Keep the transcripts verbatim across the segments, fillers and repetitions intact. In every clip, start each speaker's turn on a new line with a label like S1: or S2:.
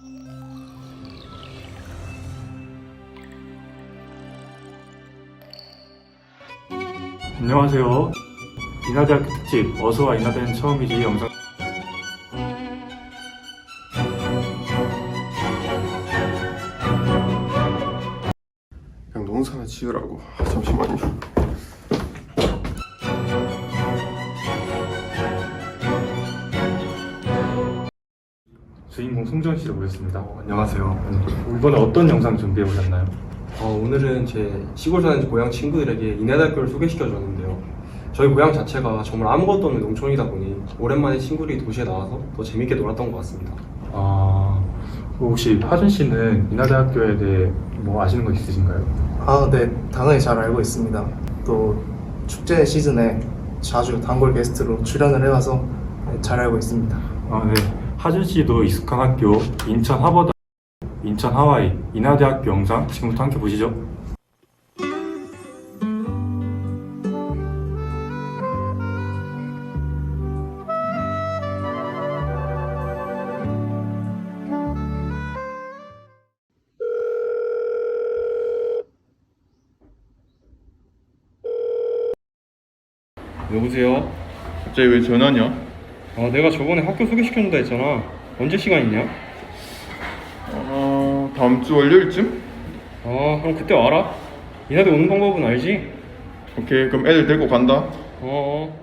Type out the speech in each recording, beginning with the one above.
S1: 안녕하세요. 인하대학교 특집 어서와 인하대는 처음이지 영상
S2: 그냥 농사나 지으라고. 아, 잠시만요.
S1: 주인공 송지원 씨를 모셨습니다.
S3: 어, 안녕하세요.
S1: 이번에 어떤 영상 준비해 오셨나요?
S3: 어, 오늘은 제 시골 사는 고향 친구들에게 인하대학교를 소개시켜 줬는데요. 저희 고향 자체가 정말 아무것도 없는 농촌이다 보니 오랜만에 친구들이 도시에 나와서 더 재밌게 놀았던 것 같습니다.
S1: 아, 혹시 하준 씨는 인하대학교에 대해 뭐 아시는 거 있으신가요?
S4: 아, 네, 당연히 잘 알고 있습니다. 또 축제 시즌에 자주 단골 게스트로 출연을 해와서 네, 잘 알고 있습니다.
S1: 아, 네. 하준 씨도 익숙한 학교 인천 하버드, 인천 하와이 인하대학교 영상 지금부터 함께 보시죠.
S3: 여보세요?
S2: 갑자기 왜 전화냐?
S3: 아, 내가 저번에 학교 소개시켜준다 했잖아. 언제 시간 있냐?
S2: 어... 다음 주 월요일쯤?
S3: 아, 그럼 그때 와라. 인하대 오는 방법은 알지?
S2: 오케이, 그럼 애들 데리고 간다.
S3: 어.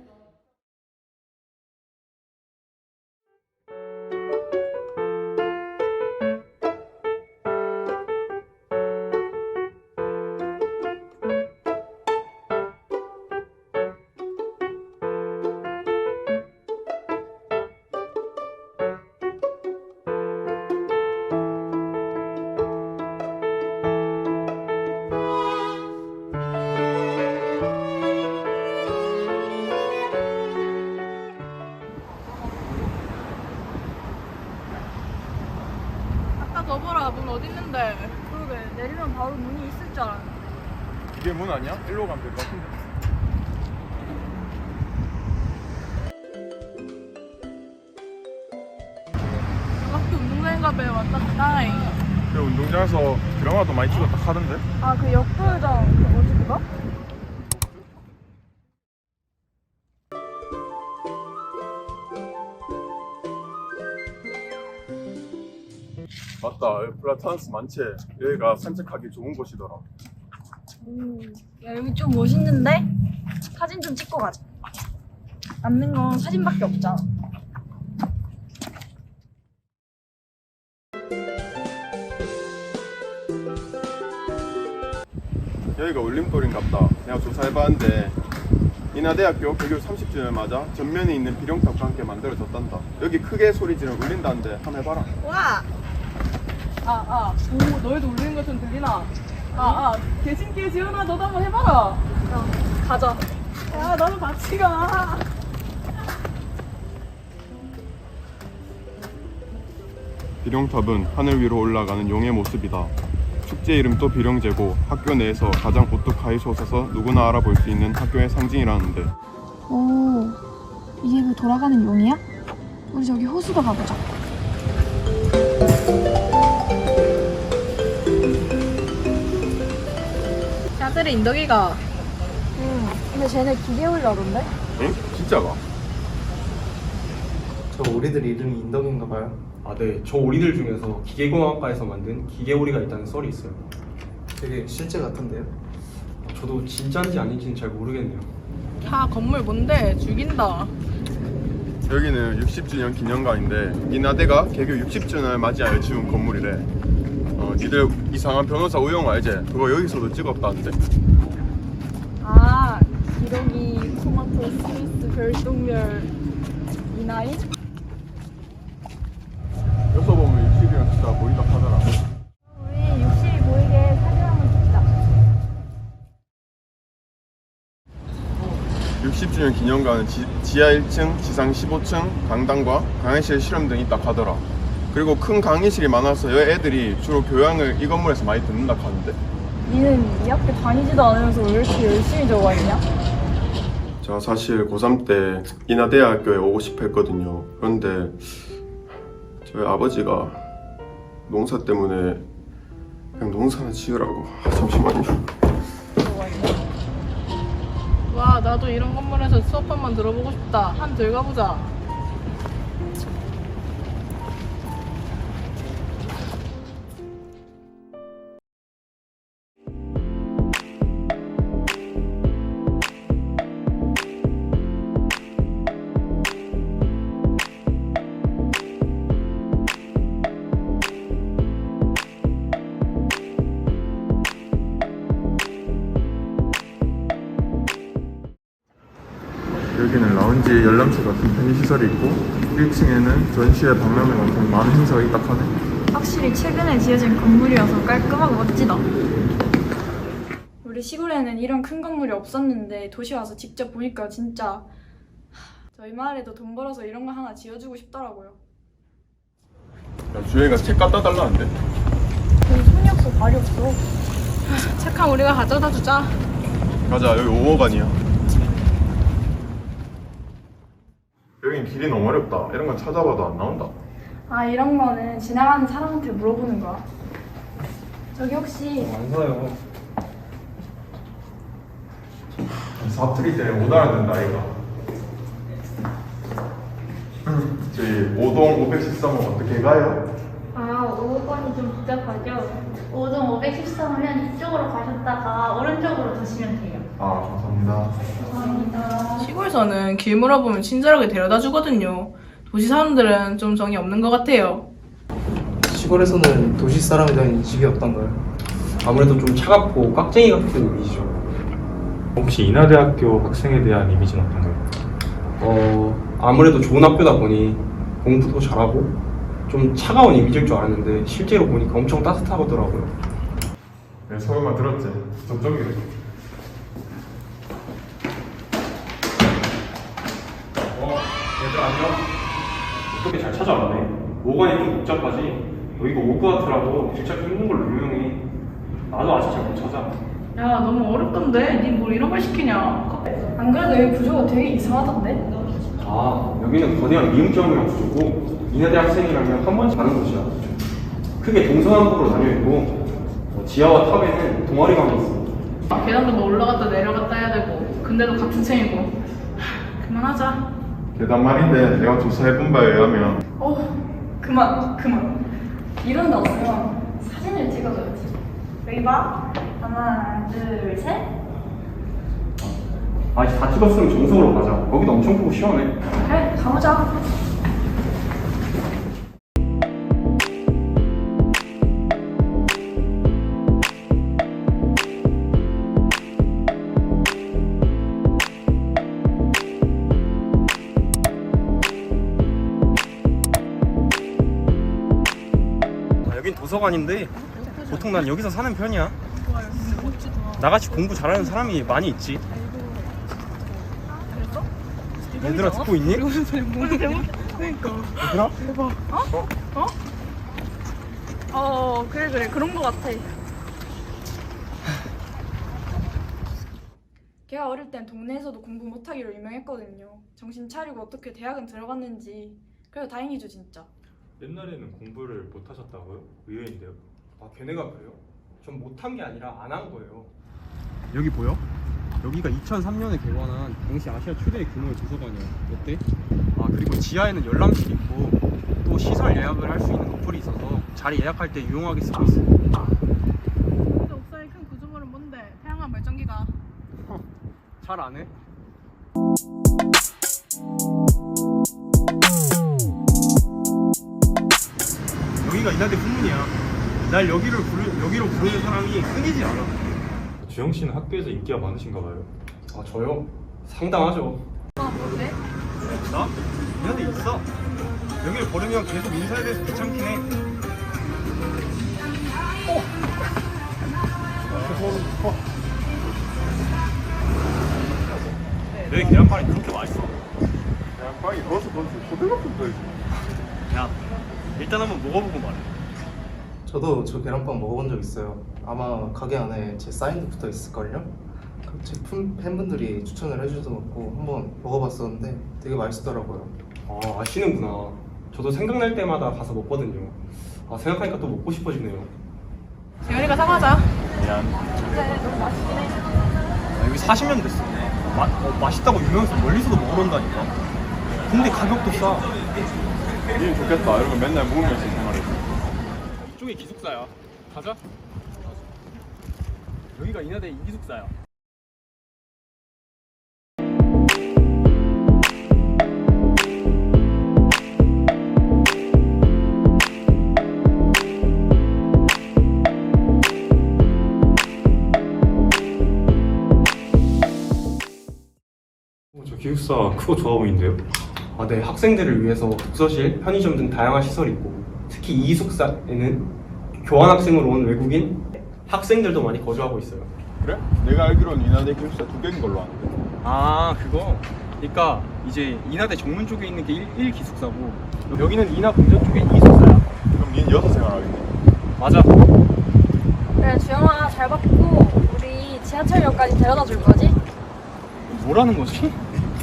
S5: 아까 거 봐라, 문 어딨는데. 그러게, 내리면 바로 문이 있을 줄 알았는데.
S2: 이게 문 아니야? 일로 가면 될 것 같은데.
S5: 학교 운동장인가 봐요. 왔다 갔다.
S2: 그 운동장에서 드라마도 많이 찍었다 하던데?
S5: 아, 그 역도장, 그 뭐지, 그거?
S2: 맞다, 여기 플라타나스 많지? 여기가 산책하기 좋은 곳이더라.
S5: 오, 야, 여기 좀 멋있는데? 사진 좀 찍고 가자. 남는 건 사진밖에 없잖아.
S2: 여기가 울림돌인갑다. 내가 조사해봤는데 인하대학교 개교 삼십 주년 맞아 전면에 있는 비룡탑과 함께 만들어졌단다. 여기 크게 소리 지르면 울린다는데 한번 해봐라.
S5: 와!
S6: 아, 아, 오, 너희도 울리는 것 좀 들리나? 아, 아, 개신께 지은아, 너도 한번 해봐라.
S5: 야, 가자.
S6: 야, 나도 같이 가.
S2: 비룡탑은 하늘 위로 올라가는 용의 모습이다. 축제 이름도 비룡제고 학교 내에서 가장 오뚝하게 솟아서 누구나 알아볼 수 있는 학교의 상징이라는데.
S7: 오, 이게 그 돌아가는 용이야? 우리 저기 호수도 가보자.
S5: 야들의 인덕이가.
S7: 응, 근데 쟤네 기계 올라던데?
S2: 응? 진짜가?
S4: 저 오리들 이름이 인덕인가 봐요.
S3: 아, 네. 저 오리들 중에서 기계공학과에서 만든 기계오리가 있다는 썰이 있어요.
S4: 되게 실제 같은데요?
S3: 저도 진짜인지 아닌지는 잘 모르겠네요.
S6: 야, 건물 뭔데? 죽인다.
S2: 여기는 육십 주년 기념관인데 인하대가 개교 육십 주년을 맞이하여 지은 건물이래. 어, 니들 이상한 변호사 우영 알지? 그거 여기서도 찍었다는데.
S5: 아, 기러기, 토마토, 스위스, 별똥별, 이나인?
S2: 여기서 보면 육십이랑 진짜 보인다 하더라.
S5: 우리 육십이 보이게 사진 한번 찍자.
S2: 육십 주년 기념관은 지, 지하 일 층, 지상 십오 층, 강당과 강의실 실험 등이 있다 하더라. 그리고 큰 강의실이 많아서 여 애들이 주로 교양을 이 건물에서 많이 듣는다 하는데.
S5: 니는 이 학교 다니지도 않으면서 왜 이렇게 열심히 적어 있냐?
S2: 제가 사실 고삼 때 인하대학교에 오고 싶어 했거든요. 그런데 저희 아버지가 농사 때문에 그냥 농사나 지으라고. 아, 잠시만요.
S6: 와, 나도 이런 건물에서 수업 한 번 들어보고 싶다. 한 들어가보자.
S2: 여기는 라운지, 열람실 같은 편의시설이 있고 일 층에는 전시회, 박람회 같은 많은 행사가 있다 하네.
S5: 확실히 최근에 지어진 건물이어서 깔끔하고 멋지다. 우리 시골에는 이런 큰 건물이 없었는데 도시 와서 직접 보니까 진짜 하, 저희 마을에도 돈 벌어서 이런 거 하나 지어주고 싶더라고요.
S2: 야, 주영이가 책 갖다 달라는데?
S5: 돈 손이 없어 발이 없어.
S6: 착한 우리가 가져다 주자.
S2: 가자, 여기 오억 아니야. 여긴 길이 너무 어렵다. 이런 건 찾아봐도 안 나온다.
S5: 아 이런 거는 지나가는 사람한테 물어보는 거야. 저기 혹시
S3: 안 사요.
S2: 사투리 때문에 못 알아듣는다 아이가. 저희 오동 오백십삼 호 어떻게 가요?
S8: 아, 오 번이 좀 복잡하죠? 오동 오백십삼이면 이쪽으로 가셨다가 오른쪽으로 도시면 돼요.
S2: 아 감사합니다.
S8: 감사합니다.
S6: 시골에서는 길 물어보면 친절하게 데려다 주거든요. 도시 사람들은 좀 정이 없는 것 같아요.
S4: 시골에서는 도시 사람에 대한 인식이 없던가요?
S3: 아무래도 좀 차갑고 깍쟁이 같은 이미지죠.
S1: 혹시 인하대학교 학생에 대한 이미지는 어떤가요?
S3: 어, 아무래도 좋은 학교다 보니 공부도 잘하고 좀 차가운 이미지일 줄 알았는데 실제로 보니까 엄청 따뜻하더라고요.
S2: 네, 소개만 들었지? 저쪽이래.
S1: 어, 얘들 안녕? 어떻게 잘 찾아왔네. 오관이 좀 복잡하지? 여기가 오브 아트라고 진짜 힘든 걸로 유명해. 나도 아직 잘 못 찾아.
S6: 야, 너무 어렵던데? 니 뭘 이런 걸 시키냐?
S5: 안 그래도 여기 구조가 되게 이상하던데?
S3: 아, 여기는 거대한 미음점이랑 구조고 인하대 학생이라면 한 번씩 가는 곳이야. 크게 동서남북으로 나뉘어있고 어, 지하와 탑에는 동아리방이 있어.
S6: 아, 계단도 뭐 올라갔다 내려갔다 해야 되고 근데도 같은 층이고. 하, 그만하자.
S2: 계단 말인데 내가 조사해본 바에 의하면
S5: 어 그만 그만. 이런 데 없으면 사진을 찍어줘야지. 여기 봐. 하나 둘 셋.
S3: 아직 다 찍었으면 정석으로 가자. 거기도 엄청 크고 시원해.
S5: 그래 가보자.
S3: 아, 여긴 도서관인데 보통 난 여기서 사는 편이야. 나같이 공부 잘하는 사람이 많이 있지. 얘들아 듣고 있니?
S6: 그러니까.
S3: 얘들아?
S6: 대박. 어? 어? 어, 그래 그래 그런 거 같아.
S5: 걔가 어릴 땐 동네에서도 공부 못하기로 유명했거든요. 정신 차리고 어떻게 대학은 들어갔는지. 그래도 다행이죠 진짜.
S1: 옛날에는 공부를 못 하셨다고요? 의외인데요.
S3: 아 걔네가 그래요? 전 못한 게 아니라 안 한 거예요. 여기 보여? 여기가 이천삼 년에 개관한 당시 아시아 최대 규모의 도서관이야. 어때? 아 그리고 지하에는 열람실 있고 또 시설 예약을 할 수 있는 어플이 있어서 자리 예약할 때 유용하게 쓰고 있어.
S6: 근데 옥상에 큰 구조물은 뭔데? 태양광 발전기가.
S3: 잘 안 해? 여기가 이나대 후문이야. 날 여기를 부르, 여기로 부르는 사람이 끊이질 않아.
S1: 주영 씨는 학교에서 인기가 많으신가 봐요.
S3: 아 저요? 상당하죠.
S6: 아, 뭔데?
S3: 나? 이나대 있어. 여기를 걸으면 계속 인사에 대해서 귀찮긴 해. 어. 어. 내 계란빵이 그렇게 맛있어?
S2: 빵이 넣어서 넣어서 고등학교 거지.
S3: 야, 일단 한번 먹어보고 말해.
S4: 저도 저 계란빵 먹어본 적 있어요. 아마 가게 안에 제 사인도 붙어 있을걸요? 그 제품 팬분들이 추천을 해주셔서 먹고 한번 먹어봤었는데 되게 맛있더라고요.
S3: 아, 아시는구나. 저도 생각날 때마다 가서 먹거든요. 아 생각하니까 또 먹고 싶어지네요.
S6: 재현이가 사가자.
S2: 미안.
S3: 아, 여기 사십 년 됐어. 마, 어, 맛있다고 유명해서 멀리서도 먹으러 온다니까. 근데 가격도 싸.
S2: 일 좋겠다. 이런 거 맨날 먹으면서 생활해.
S3: 이쪽이 기숙사야. 가자. 여기가 인하대 이기숙사야.
S1: 어, 저 기숙사 크고 좋아 보이는데요?
S3: 아, 네. 학생들을 위해서 독서실, 편의점 등 다양한 시설이 있고 특히 이 기숙사에는 교환학생으로 온 외국인 학생들도 많이 거주하고 있어요.
S2: 그래? 내가 알기로는 이나대 기숙사 두 개인 걸로 아는데.
S3: 아, 그거? 그러니까 이제 인하대 정문 쪽에 있는 게 일 기숙사고 여기는 인하 공전 쪽에 이 기숙사야.
S2: 그럼 니는 여기서 생활하겠네.
S3: 맞아.
S5: 그래 주영아 잘 받고 우리 지하철역까지 데려다 줄 거지?
S3: 뭐라는 거지?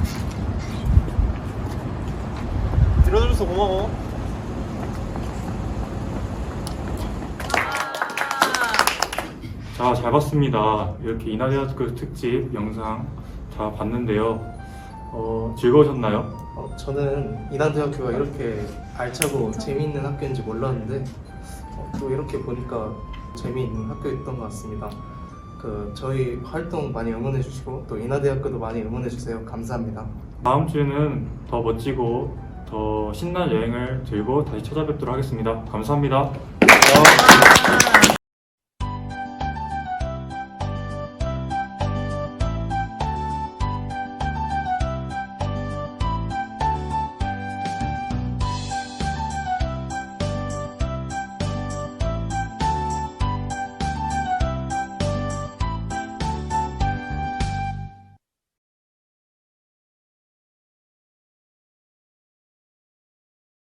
S3: 들어줘서 고마워.
S1: 자, 잘 봤습니다. 이렇게 인하대학교 특집 영상 다 봤는데요. 어, 즐거우셨나요?
S4: 어, 저는 인하대학교가 이렇게 알차고 재미있는 학교인지 몰랐는데 어, 또 이렇게 보니까 재미있는 학교였던 것 같습니다. 그 저희 활동 많이 응원해 주시고 또 인하대학교도 많이 응원해 주세요. 감사합니다.
S1: 다음 주에는 더 멋지고 더 신나는 여행을 들고 다시 찾아뵙도록 하겠습니다. 감사합니다.
S3: 아.